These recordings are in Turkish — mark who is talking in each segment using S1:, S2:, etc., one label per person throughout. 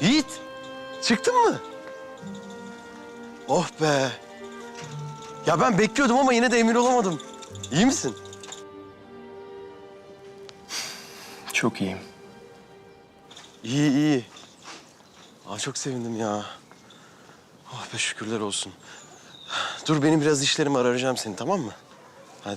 S1: Yiğit, çıktın mı? Oh be. Ya ben bekliyordum ama yine de emin olamadım. İyi misin?
S2: Çok iyiyim.
S1: İyi, iyi. Aa, çok sevindim ya. Oh be, şükürler olsun. Dur, benim biraz işlerim var, arayacağım seni, tamam mı? Hadi.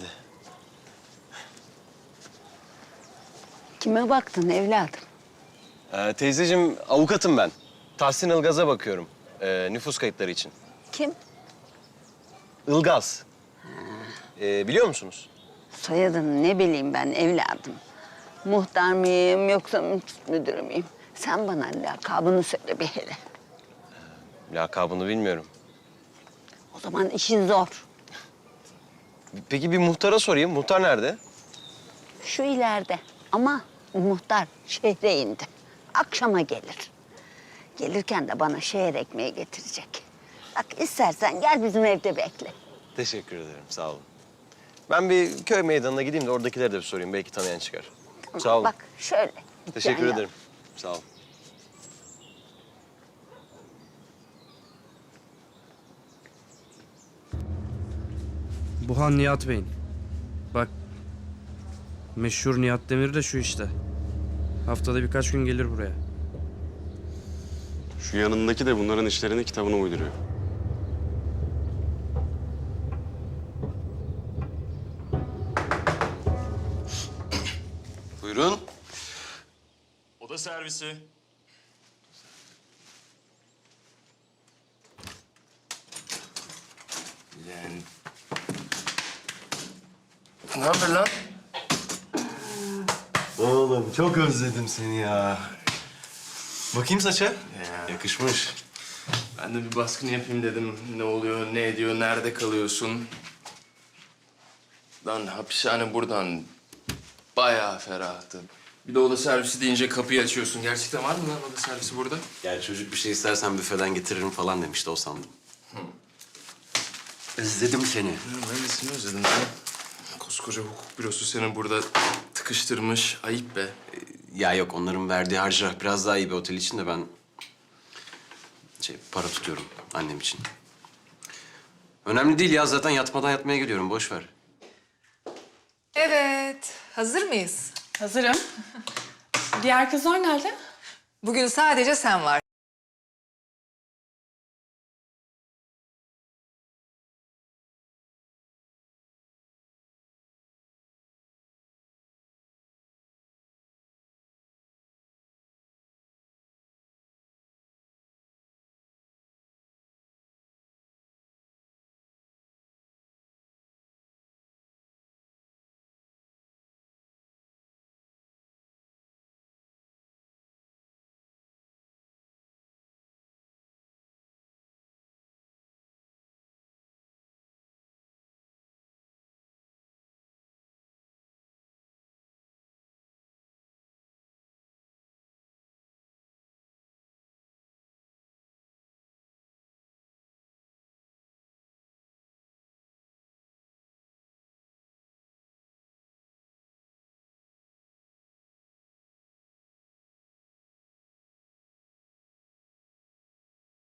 S3: Kime baktın evladım?
S1: Teyzeciğim, avukatım ben. Tahsin Ilgaz'a bakıyorum. Nüfus kayıtları için.
S3: Kim?
S1: Ilgaz. Biliyor musunuz?
S3: Soyadını ne bileyim ben evladım. Muhtar mıyım yoksa müdür müyüm? Sen bana lakabını söyle bir hele.
S1: Lakabını bilmiyorum.
S3: O zaman işin zor.
S1: Peki bir muhtara sorayım. Muhtar nerede?
S3: Şu ileride ama muhtar şehre indi. Akşama gelir. Gelirken de bana şehir ekmeği getirecek. Bak istersen gel bizim evde bekle.
S1: Teşekkür ederim, sağ olun. Ben bir köy meydanına gideyim de oradakileri de bir sorayım. Belki tanıyan çıkar.
S3: Tamam,
S1: Sağ olun.
S3: Bak şöyle.
S1: Teşekkür
S3: Yan
S1: ederim. Sağ olun.
S4: Bu han Nihat Bey'in. Bak, meşhur Nihat Demir de şu işte. Haftada birkaç gün gelir buraya.
S5: Şu yanındaki de bunların işlerini kitabına uyduruyor.
S1: Buyurun.
S2: Oda servisi. Lan. Ne haber lan?
S1: Oğlum çok özledim seni ya. Bakayım saça.
S2: Ya.
S1: Yakışmış.
S2: Ben de bir baskın yapayım dedim. Ne oluyor, ne ediyor, nerede kalıyorsun? Lan hapishane buradan bayağı ferahtı. Bir de oda servisi deyince kapıyı açıyorsun. Gerçekten var mı lan oda servisi burada?
S6: Yani çocuk bir şey istersen büfeden getiririm falan demişti, o sandım. Özledim seni.
S2: Ben de seni özledim ya. Koskoca hukuk bürosu seni burada tıkıştırmış. Ayıp be.
S6: Ya yok, onların verdiği harcırah biraz daha iyi bir otel için de ben... para tutuyorum annem için. Önemli değil ya, zaten yatmadan yatmaya geliyorum, boş ver.
S7: Evet, hazır mıyız?
S8: Hazırım. Diğer kızlar nerede?
S7: Bugün sadece sen var.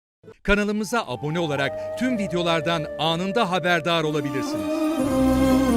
S9: Kanalımıza abone olarak tüm videolardan anında haberdar olabilirsiniz.